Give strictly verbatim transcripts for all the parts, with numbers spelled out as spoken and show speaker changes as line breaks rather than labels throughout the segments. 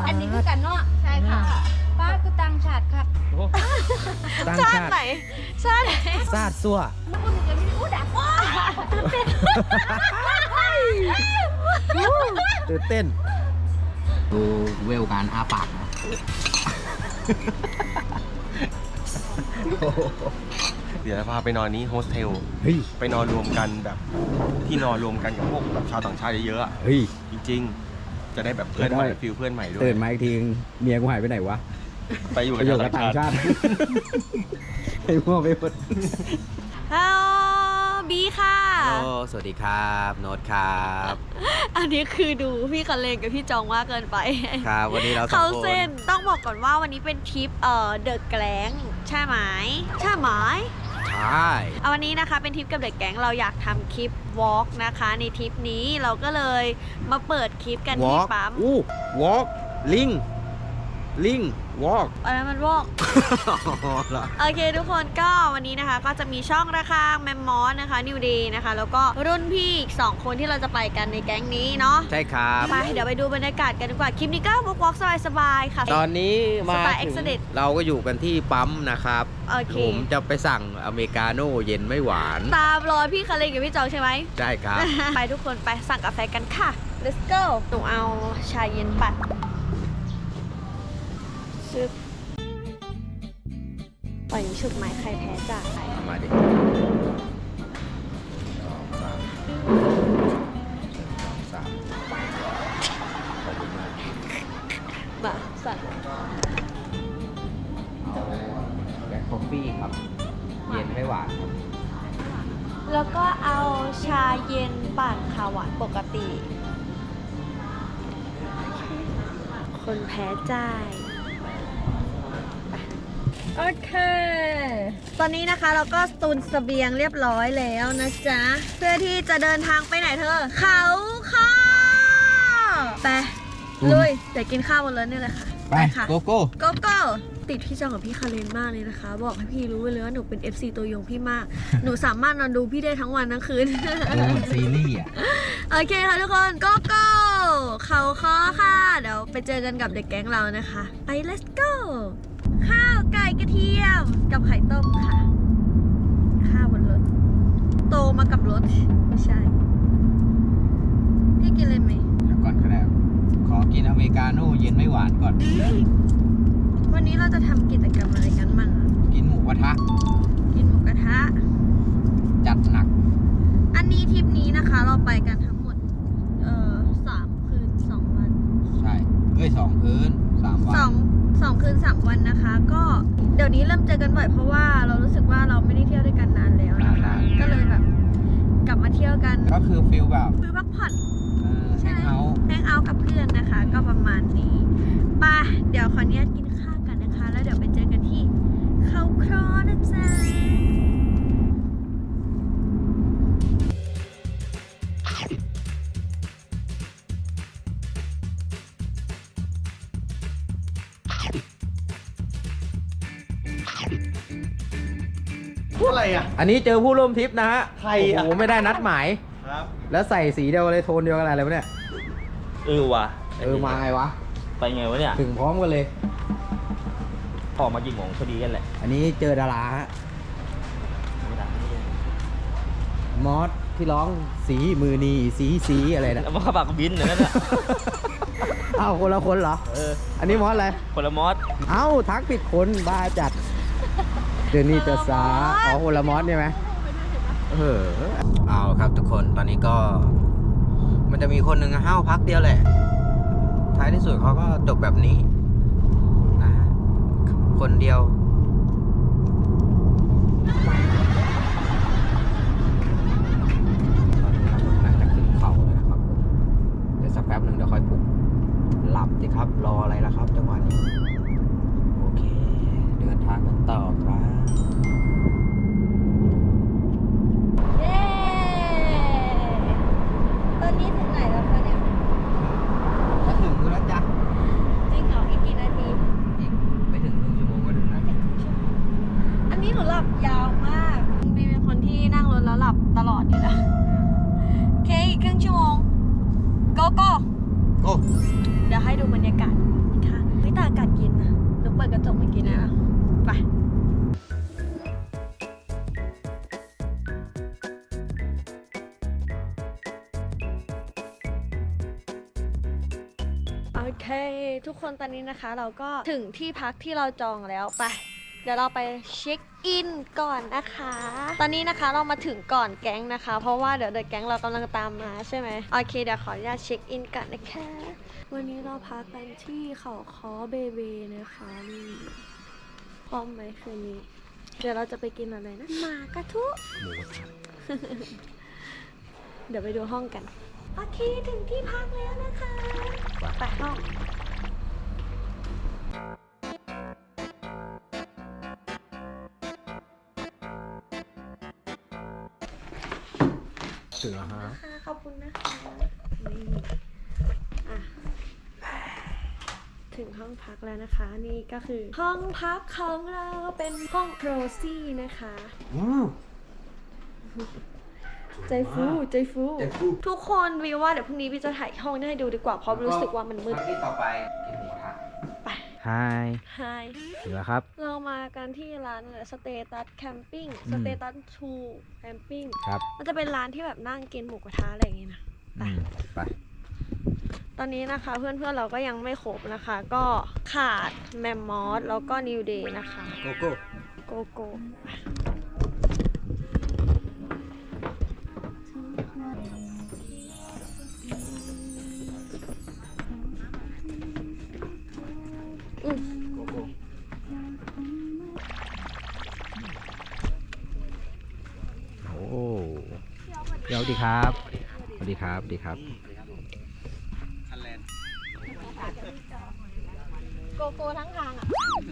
อันนี้คือกันเนาะใช่ค่ะป้าคือตังชาติค่ะ
ต่าง
ชา
ชา
ติ
ติ
ไหนชาติไหน
ซาดซัว
แล้วคุณจะมีอู้ดักว้าเป็น
ตื่นเต้นดูเวลการอาปากนะ
เดี๋ยวจะพาไปนอนนี้โฮสเทล
เฮ้ย
ไปนอนรวมกันแบบที่นอนรวมกันกับพวกแบบชาวต่างชาติเยอะๆอะ
เฮ้ย
จริงๆ จะได้แบบเพื่อนใหม่ฟิลเพื่อนใหม่ด้วย
ตื่นมาอีกทีเมียกูหายไปไหนวะ
ไปอยู่
ไป
กับ
อยู่
ชาว
กับ
ต่า
ต่าง ง
ชา
ชา
ติ
ติให้มั่วไปหมด
ฮัลโหลบีค่ะ
โอ้สวัสดีครับโน้ตครับ
อันนี้คือดูพี่คันเลงกับพี่จองมากเกินไป
ครับวันนี้เราสอ
เขา
งคน
เส้นต้องบอกก่อนว่าวันนี้เป็นทริปเอ่อเดอะแกลงใช่ไหมใช่ไหม
ใช่
เอาวันนี้นะคะเป็นทริปกับเดอะแก๊งเราอยากทำคลิปวอล์กนะคะในทริปนี้เราก็เลยมาเปิดคลิปกัน
วอ
ที่
ล์ก
ปั๊ม
อู้วอล์กลิงลิงวอล์ก
อะไรมันวอล์ก โอเคทุกคนก็วันนี้นะคะก็จะมีช่องระฆังแมมมอสนะคะนิวเดย์นะคะแล้วก็รุ่นพี่อีกสองคนที่เราจะไปกันในแก๊งนี้เนาะ
ใช่ครับ
ไปเดี๋ยวไปดูบรรยากาศกันดีกว่าคลิปนี้ก็วอล์กวอล์กสบายๆค่ะ
ตอนนี้มา
สไตล์
ถึง
Exodus
เราก็อยู่กันที่ปั๊มนะครับ
โอเค
ผมจะไปสั่งอเมริกาโน่เย็นไม่หวาน
ตามรอยพี่คาเลนกับพี่จองใช่ไหม
ใช่ครับ
ไปทุกคนไปสั่งกาแฟกันค่ะ let's go หนูเอาชาเย็นปั่นซึบปล่อยฉุกไม้ใครแพ้จ่าย
มาดิสามขอบคุณมาก
มาสั่ง
เอาแบล็คคอฟฟี่ครับ เย็นไม่หวานครับ
แล้วก็เอาชาเย็นปั่นค่ะหวานปกติ คนแพ้จ่าย โอเค ตอนนี้นะคะเราก็ตุนเสบียงเรียบร้อยแล้วนะจ๊ะ เพื่อที่จะเดินทางไปไหนเธอ เขาข้อไปลุยเดี๋ยวกินข้าวบนรถนี่เลยค่ะ
ไป
ค่ะ
โกโก้
โกโก้ติดพี่จองกับพี่คาเรนมากเลยนะคะ บอกให้พี่รู้ไว้เลยว่าหนูเป็น เอฟ ซี ตัวยงพี่มาก หนูสามารถนอนดูพี่ได้ทั้งวันทั้งคืน
ดูเหมือนซีรีส์อ่ะ
โอเคค่ะทุกคนโกโก้เขาข้อค่ะ เดี๋ยวไปเจอกันกับเด็กแก๊งเรานะคะ ไป let's go ข้าวไก่กระเทียมกับไข่ต้มค่ะ ข้าวบนรถ โตมากับรถ ไม่ใช่ พี่กินเลยไหม
เดี๋ยวก่อนครับขอกินอเมริกาโน่เย็นไม่หวานก่อน
วันนี้เราจะทำกิจกรรมอะไรกันบ้างอะ
กินหมูกระทะ
กินหมูกระทะ
จัดหนัก
อันนี้ทริปนี้นะคะเราไปกันทั้งหมด เอ่อสามคืนสองวัน
ใช่ เอ้ยสองคืนสามวั
สองสองคืนสามวันนะคะ ก็เดี๋ยวนี้เริ่มเจอกันบ่อยเพราะว่าเรารู้สึกว่าเราไม่ได้เที่ยวด้วยกันนานแล้วนะคะก็เลยแบบกลับมาเที่ยวกัน
ก็คือฟิลแบบ
คุยพักผ่อน
เออแฮงเอาท์
แฮงเอาท์กับเพื่อนนะคะ ก็ประมาณนี้ไปเดี๋ยวขออนุญาตกินข้าวกันนะคะ แล้วเดี๋ยวไปเจอกันที่เขาครอนะจ๊ะ
พูดอะไรอ่ะ
อันนี้เจอผู้ร่วมทริปนะฮะ
ใครอะ
โอ้โหไม่ได้นัดหมาย
ครับ
แล้วใส่สีเดียวเลยโทนเดียวกันอะไรวะเนี่ย
เออว่ะ
เออมาไงวะ
ไปไงวะเนี่ย
ถึงพร้อมกันเลย
ออกมากี่โมงพอดีกันแหละ
อันนี้เจอดาราฮะ
ไม่ได้
มอสที่ร้องสีมือนีสีสีอะไรนะ
แล้วมาขับปากบินอย่างนั้นอ่ะ
อ้าวคนละคนเหรอ
เออ
อันนี้มอสอะไร
คนละมอส
เอ้าทักผิดคนบ้าจัด เดือนนี้จะสาอ๋อคนละมอสใช่ไหมเออเอาครับทุกคนตอนนี้ก็ มันจะมีคนหนึ่งห้าวพักเดียวแหละ ท้ายที่สุดเขาก็จบแบบนี้นะฮะคนเดียวตอนนี้เรากำลังจะขึ้นเขาเลยนะครับเดี๋ยวสักแป๊บหนึ่งเดี๋ยวค่อยปลุกหลับสิครับรออะไรล่ะครับจังหวะนี้โอเค เดินทางกันต่อครับ
เย้ตอนนี้ถึงไหนแล้วคะเนี่ย
จะถึงแล้วจ้ะ
จริงเหรออีกกี่นาที
อีกไม่ถึงครึ่งชั่วโมงก็ถึงแล้ว
อันนี้หนูหลับยาวมากบีเป็นคนที่นั่งรถแล้วหลับตลอดอยู่แล้วโอเคอีกครึ่งชั่วโมงโกโก้
โอ้
เดี๋ยวให้ดูบรรยากาศอีกฮ้ทุกคนตอนนี้นะคะ เราก็ถึงที่พักที่เราจองแล้วไปเดี๋ยวเราไปเช็คอินก่อนนะคะ ตอนนี้นะคะเรามาถึงก่อนแก๊งนะคะ เพราะว่าเดี๋ยวเดอะแก๊งเรากำลังตามมาใช่ไหมโอเคเดี๋ยวขออนุญาตเช็คอินก่อนนะคะวันนี้เราพักกันที่เขาค้อเบเบนะคะนี่พร้อมไหมคืนนี้ เดี๋ยวเราจะไปกินอะไรนะหมากระทุ
หมูกระทะ
เดี๋ยวไปดูห้องกันโอเคถึงที่พักแล้วนะคะไปห้อง
ถึงแล้วฮะ
ค่ะขอบคุณนะคะนี่อ่ะถึงห้องพักแล้วนะคะ นี่ก็คือห้องพักของเราเป็นห้องโรซี่นะคะ ใจฟูใจฟู
ใจฟู
ทุกคนวิวว่าเดี๋ยวพรุ่งนี้พี่จะถ่ายห้องให้ดูดีกว่าเพราะรู้สึกว่ามันมืด
ที่ต่อไปกินหมูกระทะ
ไป
ฮาย
ไฮ
ถึงแล้วครับ
เรามากันที่ร้านสเตตัสแคมปิ้ง
อืม
สเตตัสทูแคมปิ้ง
ครับ
มันจะเป็นร้านที่แบบนั่งกินหมูกระทะอะไรอย่างงี้นะ ไป
อืมไป
ตอนนี้นะคะเพื่อนๆเราก็ยังไม่ครบนะคะ ก็ขาดแมมมอสแล้วก็นิวเดย์นะคะ
โกโก้
โกโก้อืม
โกโก้โอ้เดี๋ยวดีครับสวัสดีครับสวัสดีครับ
โกโก้ทั้งทางอ่ะ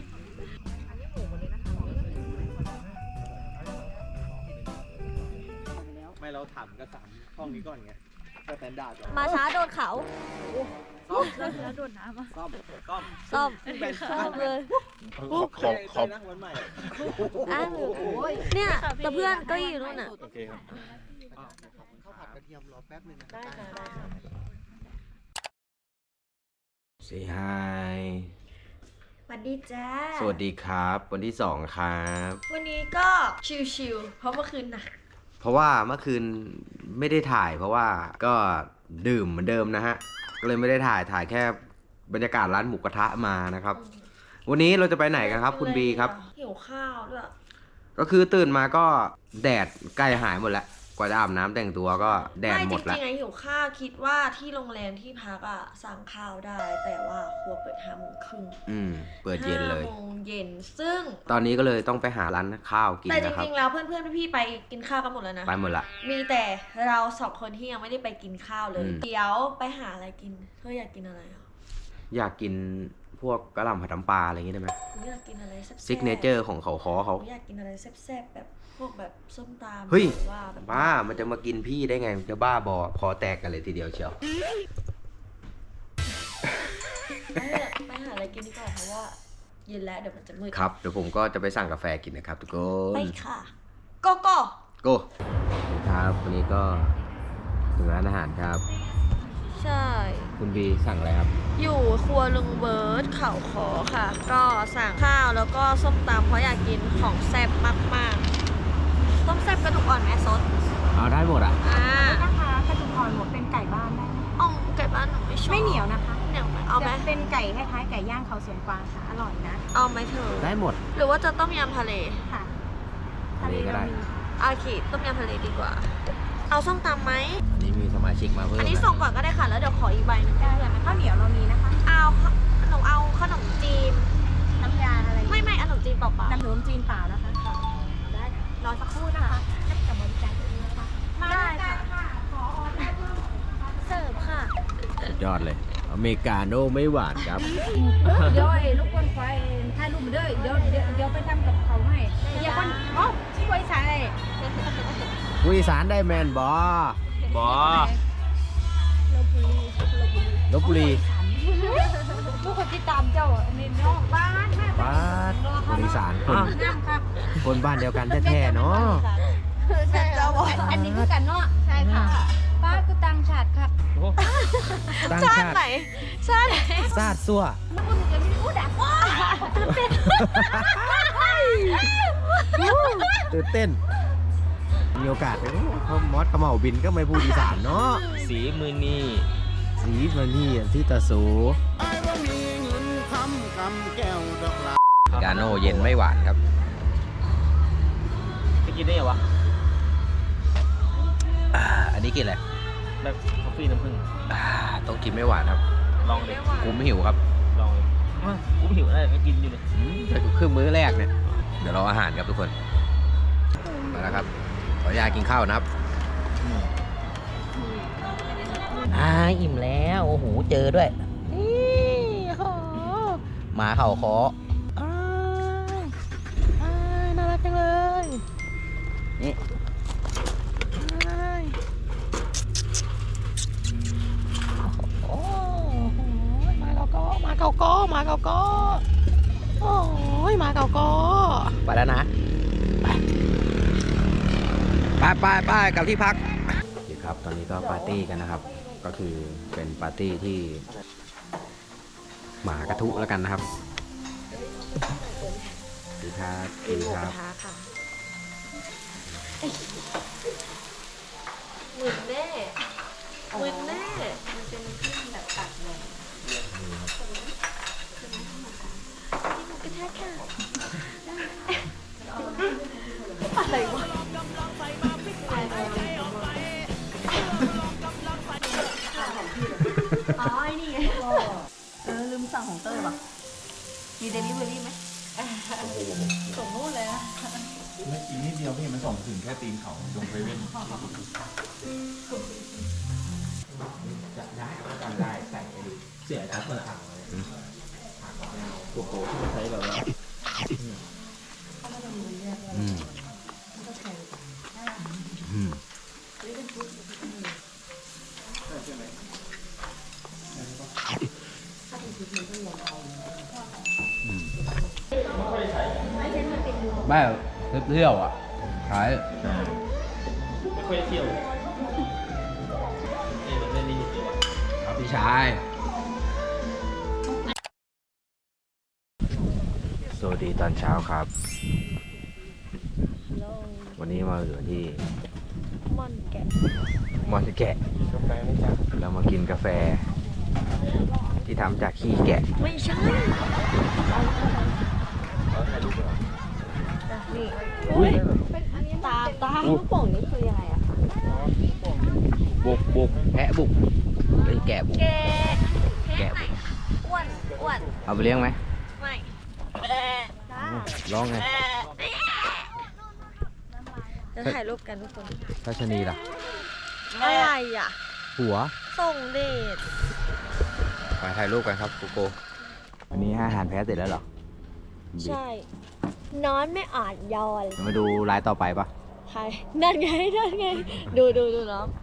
ไม่เราถามกันสามห้องนี้ก่อนไงสแตนดาร์ดก่อน
มาช้าโดนเขา
ซ่อม
แล้วโดนน้ำอ่ะ
ซ่อมซ่อม
ซ่อม
แบน
ซ่อมเลย
ขอบขอบขอบนะวันใหม่
อ้าวเนี่ยแต่เพื่อนก็อยู่นู่นน่ะ
โอเคครับ
ข้าวผัดกระเทียมรอแป๊บนึงนะ
ได้ค่ะได้ค่ะ
Say hi
สวัสดีจ้า
สวัสดีครับ วันที่สองครับ
วันนี้ก็ชิลๆเพราะเมื่อคืนหนัก
เพราะว่าเมื่อคืนไม่ได้ถ่าย เพราะว่าก็ดื่มเหมือนเดิมนะฮะ ก็เลยไม่ได้ถ่ายถ่ายแค่บรรยากาศร้านหมูกระทะมานะครับ วันนี้เราจะไปไหนกันครับ คุณบีครับ
หิวข้าวด้วย
ก็คือตื่นมาก็แดดใกล้หายหมดแล้ว กว่าจะอาบน้ำแต่งตัวก็แดดหมด
ไม่
แล้ว
จริงๆไงหิวข้าวคิดว่าที่โรงแรมที่พักอ่ะสั่งข้าวได้ แต่ว่าครัวเปิดห้าโมงครึ่ง
อืม เปิดเย็นเลย
ห้าโมงเย็นซึ่ง
ตอนนี้ก็เลยต้องไปหาร้านข้าวกิน
แต่จ
นะครับ
ริงๆแล้วเพื่อนๆพี่ๆไปกินข้าวกันหมดแล้วนะ
ไปหมดละ
มีแต่เราสองคนที่ยังไม่ได้ไปกินข้าวเลย
อืม
เดี๋ยวไปหาอะไรกินเธออยากกินอะไรอ่ะ
อยากกินพวกกะหล่ำผัดน้ำปลาอะไรอย่างงี้ได้ไหม
หนูอยากกินอะไรแซ่บๆ
ซิกเนเจอร์ของเขาคอเขา
หนูอยากกินอะไรแซ่บๆแบบพวกแบบส้มตำ
เฮ้ย
หรือว่าแบบ
บ้า มันจะมากินพี่ได้ไงจะบ้าบอคอแตกกันเลยทีเดียวเชียว
ไปเถอะไปหาอะไรกินดีกว่าเพราะว่าเย็นแล้วเดี๋ยวมันจะมืด
ครับ เดี๋ยวผมก็จะไปสั่งกาแฟกินนะครับทุกคน
ไปค่ะโกโก้
โก้ครับวันนี้ก็ถึงร้านอาหารครับ
ใช่
คุณบีสั่งอะไรครับ
อยู่ครัวลุงเบิร์ดเขาขอค่ะ ก็สั่งข้าวแล้วก็ส้มตำเพราะอยากกินของแซ่บมากๆต้มแซ่บกระดูกอ่อนแม่ซด
เอาได้หมดอ่ะ
อ่า
นะคะกระดูกอ่อนหมดเป็นไก่บ้านได้ไหม
เอาไก่บ้านหนูไม่ชอบ
ไม่เหนียวนะคะ
เหนียวไหมเอาไหม
จะเป็นไก่คล้ายๆไก่ย่างเขาสวนกวางค่ะ อร่อยนะ
เอาไหมเธอ
ได้หมด
หรือว่าจะต้มยำทะเล
ค่ะ
ทะเลก็ได้
เรามี
โอเคต้มยำทะเลดีกว่า เอาส้มตำไหม
อันนี้มีสมาชิกมาเพิ่ม
อันนี้
นะ
ส่งก่อนก็ได้ค่ะแล้วเดี๋ยวขออีกใบหนึง
ได้
เพื่อน
ค่ะข้าวเหนียวเรามีนะคะ
เอาหนูเอาขนมจีน
น้ำยาอะไร
ไม่ไม่ขนมจีนเปล่า
น้ำหนมจีนเปล่านะคะค่ะได้ค่ะ
ๆรอสักครู่นะคะ
กับบริการตรงนี้นะคะมาได้ค่ะขอออเดอร์เพิ่ม
เสิร์ฟค่ะ
สุดยอดเลย อเมริกาโน่ไม่หวานครับ
เดี๋ยวไอ้ลูกคนไฟถ่ายรูปมาด้วยเดี๋ยวเดี๋ยวเดี๋ยวไปทำกับเขาให้เดี๋ยวคนอ๋อที่บริษัทอะไร
ผู้อีสานได้แมนบอบ
อ
ลบบุรี
ลูกคนที่ตามเจ้าอันนี้น้องบ้านแม่
บ้านคนอีสานคน
น้ำครับ
คนบ้านเดียวกันแท้ๆเนาะ
ใช่ค่ะ
อันนี้คือกันเนาะใช่ค่ะป้ากูตังชาติครับ
ตั้ง
ชา
ชา
ติ
ติ
ไหนชาติไหน
ซาดซัว
คุณจะไม่ได้อู้ดักว้า
ตื่นเต้น มีโอกาสไปเขามอสเขม่าบินก็ไม่พูดอีสานเนาะ
สีมือนี่
สีมานี่ที่ตาสู
I
กาโน่เย็นไม่หวานครับ
จะกินได้เหรอวะ
อ่าอันนี้กินอะไร
แบบกาแฟน้ำผึ้ง
อ่าต้องกินไม่หวานครับ
ลองเลย
กูไม่หิวครับ
ลองเลยอ้าวกูหิวอะไรก็กินอยู่เลย
อืมแต่ครึ่งมื้อแรกเนี่ย เดี๋ยวรออาหารครับทุกคน มาแล้วครับ ขออนุญาตกินข้าวนะครับอ่าอิ่มแล้ว โอ้โห เจอด้วย นี่โอ้โหหมาเข่าคออ้ายอ้ายน่ารักจังเลย นี่อ้ายโอ้โหมาเก่าก็มาเก่าก็มาเก่าก็โอ้ยมาเก่าก็ไปแล้วนะ ไปไปไปกลับที่พักครับตอนนี้ก็ปาร์ตี้กันนะครับ ก็คือเป็นปาร์ตี้ที่หมากระทุแล้วกันนะครับดีครับดีครับ
หมื่นแน่หมื่นแน่มันเป็นที่แบบตัดเลยกระแทกค่ะอะไรวะอ๋อไอ้นี่ไงเออลืมสั่งของเต้ยว่ะมีเดลิเวอรี่ไหมส่งนู่นเลยอะ
ไม่อีกนิดเดียวพี่มันส่งถึงแค่ตีนเขาตรงเซเว่น
จะได้กันได้ใส่ไปดิเสียทัดมันอ่างเลยโกโก้ที่มันใช้แบบว่าอืมอืมไม่เที่ยวอ่ะขาย
ไม่ค่อยเที่ยวเอ้ยมันเล่นนี่อยู่วะ
ครับพี่ชาย สวัสดีตอนเช้าครับ วันนี้มาอยู่ที่
ม่อนแกะ
มอนแกะ
กาแฟไม่จัด
เรามากินกาแฟ ที่ทำจากขี้แกะ
ไม่ใช่นี่
อุ้ย
ตาตาลูกโป่งนี่คือยังไงอะคะ
บุกบุกแพะบุกไอ้ยแกะบุก
แกะ
แกะบุก
อ้วนอ้วน
เอาไปเลี้ยงไหม
ไม่
ร้องไง
จะถ่ายรูปกันทุกคน
ทัชนีล่ะ
อะไรอ่ะ
หัว
ส่งเดช
ไปถ่ายรูปกันครับกูโกอันนี้อาหารแพ้เสร็จแล้วเหรอ
ใช่ นอนไม่อ่านยอน
มาดูลายต่อไปปะ
ใครนั่นไงนั่นไง ดูดูดูน้อง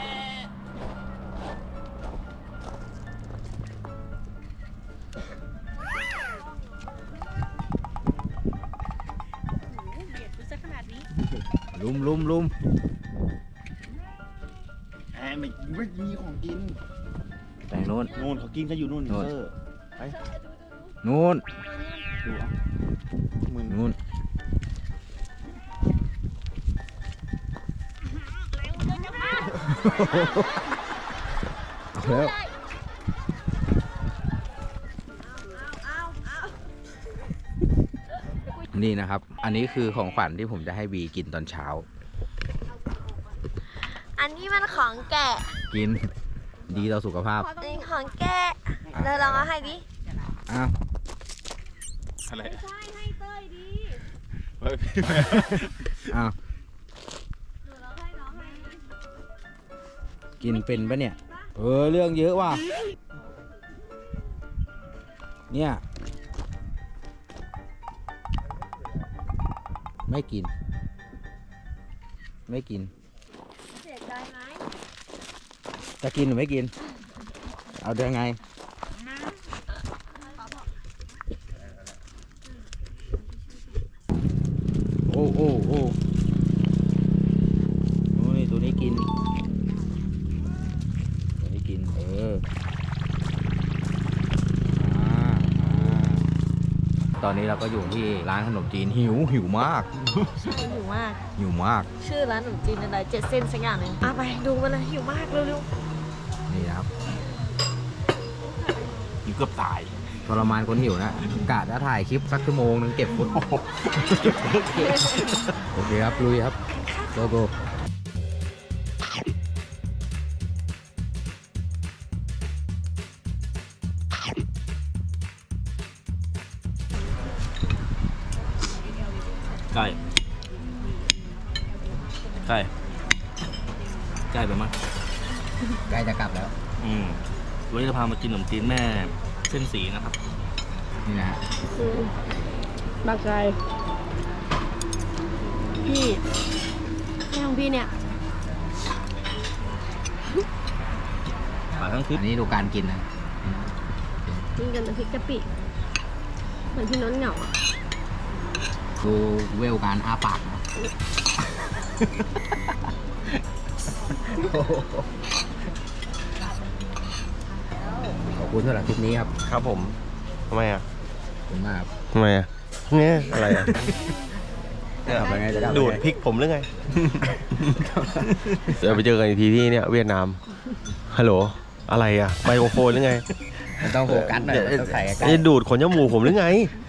เบียดกูซะขนาดนี้
ลุมลุมลุม
แอบไม่ไม่มีของกิน
แต่งนู้น
นู่นเขากินกันอยู่นู่น
นู่น
เซอร์ไป
นู้น
ดูอ่ะมึน
นู้นเอาแล้วนี่นะครับ อันนี้คือของขวัญที่ผมจะให้บีกินตอนเช้า
อันนี้มันของแกะ
กินดีต่อสุขภาพ
อันนี้ของแกะเราลองเอาให้ดิ
อ้าว
อะไร
ใช่ให้เต้ยดิ
เฮ้ยพี่แม่
อ้าว
หนูลองให้น้องให้
กินเป็นปะเนี่ย เออ เรื่องเยอะว่ะ เนี่ย ไม่กิน ไม่กิน
เสียใจไหม
จะกินหรือไม่กิน เอาเดี๋ยวไง โอ้โอ้โอ้โอ้ยตัวนี้กิน ตัวนี้กิน เอออ่าอ่าตอนนี้เราก็อยู่ที่ร้านขนมจีนหิวหิวมาก
ใช่หิวมาก
หิวมาก
ชื่อร้านขนมจีนอะไรเจ็ดเส้นสักอย่างหนึ่งอ่ะไปดูมาเลยหิวมากเร็ว
นี่นะครับ
อยู่เกือบตาย
ๆ
ทรมานคนหิวนะกะจะถ่ายคลิปสักชั่วโมงนึงเก็บฟุตโอเคครับลุยครับโกโก้
ไก่ไก่ไก่ไปมั้ง
ใกล้จะกลับแล้ว
อืมวันนี้จะพามากินขนมจีนแม่เส้นสีนะครับ
นี่นะฮะ
บางใจพี่แม่ของพี่เนี่ย
ปลาทั้งคลิป
อันนี้ดูการกินนะ
กินกันน้ำพริกกะปิเหมือนพี่น้นเหงาอ่ะ
ดูเวลการอ้าปากนะขอบคุณสำหรับคลิปนี้ครับ
ครับผมทำไมอ่ะ
ขอบคุณมากครับ
ทำไมอ่ะเนี่ยอะไรอ่ะ
จะกลับไปไงจะกลับไปไง
ดูดพริกผมหรือไง เดี๋ยวไปเจอกันอีกทีที่เนี่ยเวียดนามฮัลโหลอะไรอ่ะไมโครโฟนหรือไง
มันต้องโฟกัสหน่อยต้องถ่ายใกล้
จะดูดขนจมูกผมหรือไง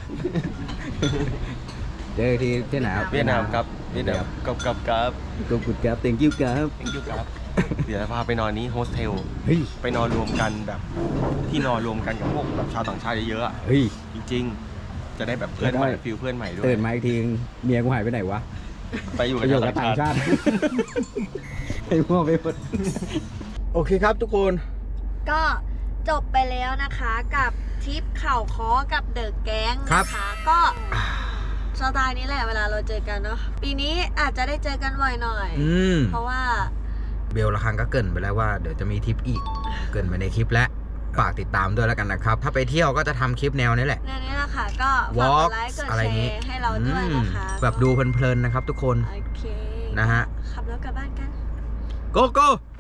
เจอที่ที่ไหนครับ
เวียดนามครับเวียดนามกับกับกับ
ขอบคุณครับ thank you ครับ
thank you ครับเดี๋ยวจะพาไปนอนนี้โฮสเทล
เฮ้ย
ไปนอนรวมกันแบบที่นอนรวมกันกับพวกแบบชาวต่างชาติเยอะๆอะ
เฮ้ย
จริงๆ จะได้แบบเพื่อนใหม่
ได้
ฟิลเพื่อนใหม่ด้วย
ตื่นมาอีกทีเมียกูหายไปไหนวะ
ไปอยู่
ไป
กับ
อยู่
ชาว
กับ
ต่าง
ต่าง
ชา
ชา
ติ
ติไอ้พวกไปหมดโอเคครับทุกคน
ก็จบไปแล้วนะคะกับทริปเข่าค้อกับเดอะแก๊ง
ครับ
นะคะ ก็สไตล์นี้แหละเวลาเราเจอกันเนาะปีนี้อาจจะได้เจอกันบ่อยหน่อย
อืม
เพราะว่า
เบลละครั้งก็เกรินไปแล้วว่าเดี๋ยวจะมีทริปอีก เกรินไปในคลิปแล้วฝากติดตามด้วยแล้วกันนะครับ ถ้าไปเที่ยวก็จะทำคลิปแนวนี้แหละ
ในนี้แหละค่ะก็ฝาก
Walk
กดไลค์กด
อะไร
แช
อย่างงี้
ร์ให้เราด้วยนะคะ
อืมแบบดูเพลินๆนะครับทุกคน
โอเค
นะฮะ
ขับรถกลับบ้านกัน
โกโก้